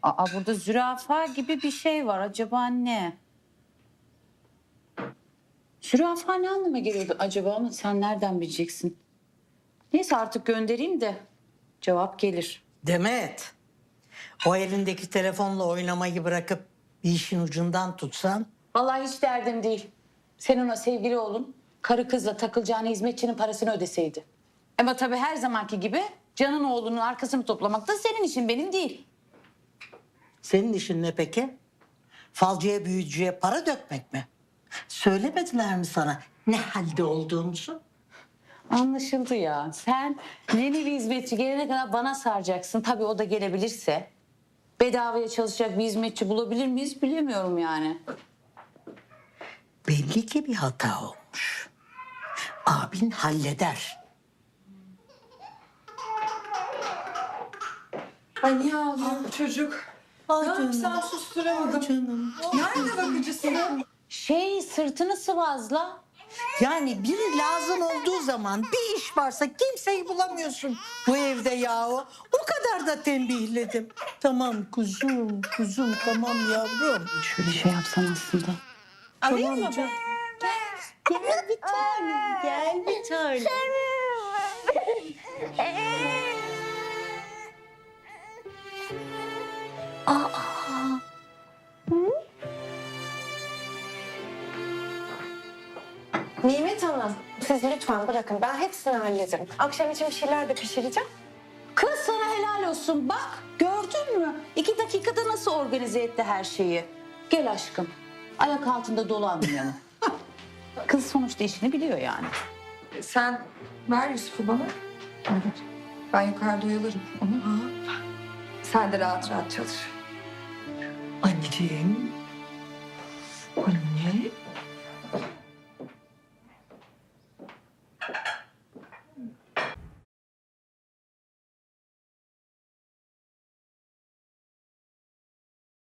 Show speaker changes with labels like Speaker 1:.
Speaker 1: Aa, burada zürafa gibi bir şey var. Acaba ne? Zürafa ne anlama geliyordu acaba ama sen nereden bileceksin? Neyse artık göndereyim de cevap gelir.
Speaker 2: Demet, o elindeki telefonla oynamayı bırakıp bir işin ucundan tutsan.
Speaker 1: Vallahi hiç derdim değil. Sen ona sevgili oğlun karı kızla takılacağını hizmetçinin parasını ödeseydi. Ama tabii her zamanki gibi Can'ın oğlunun arkasını toplamak da senin işin benim değil.
Speaker 2: Senin işin ne peki? Falcıya büyücüye para dökmek mi? Söylemediler mi sana ne halde olduğumuzu?
Speaker 1: Anlaşıldı ya. Sen yeni bir hizmetçi gelene kadar bana saracaksın. Tabii o da gelebilirse. Bedavaya çalışacak bir hizmetçi bulabilir miyiz bilemiyorum yani.
Speaker 2: Belli ki bir hata olmuş. Abin halleder.
Speaker 3: Ay niye ağlıyor bu çocuk?
Speaker 2: Ay
Speaker 3: Ne yapsam susturamadım.
Speaker 2: Canım.
Speaker 3: Nerede bakıcısı?
Speaker 1: Sırtını sıvazla.
Speaker 2: Yani biri lazım olduğu zaman bir iş varsa kimseyi bulamıyorsun bu evde yahu. O kadar da tembihledim. Tamam kuzum tamam yavrum.
Speaker 1: Şöyle şey yapsan aslında.
Speaker 2: Alayım mı ben? Gel bir tanem, gel bir tanem.
Speaker 4: Nimet Hanım, siz lütfen bırakın. Ben hepsini hallederim. Akşam için bir şeyler de pişireceğim.
Speaker 1: Kız sana helal olsun bak. Gördün mü? 2 dakikada nasıl organize etti her şeyi. Gel aşkım. Ayak altında dolanmayalım. Kız sonuçta işini biliyor yani.
Speaker 3: Sen ver Yusuf'u bana. Ben yukarıda oyalarım onu. Sen de rahat rahat çalış.
Speaker 2: Anneciğim.
Speaker 3: Anne.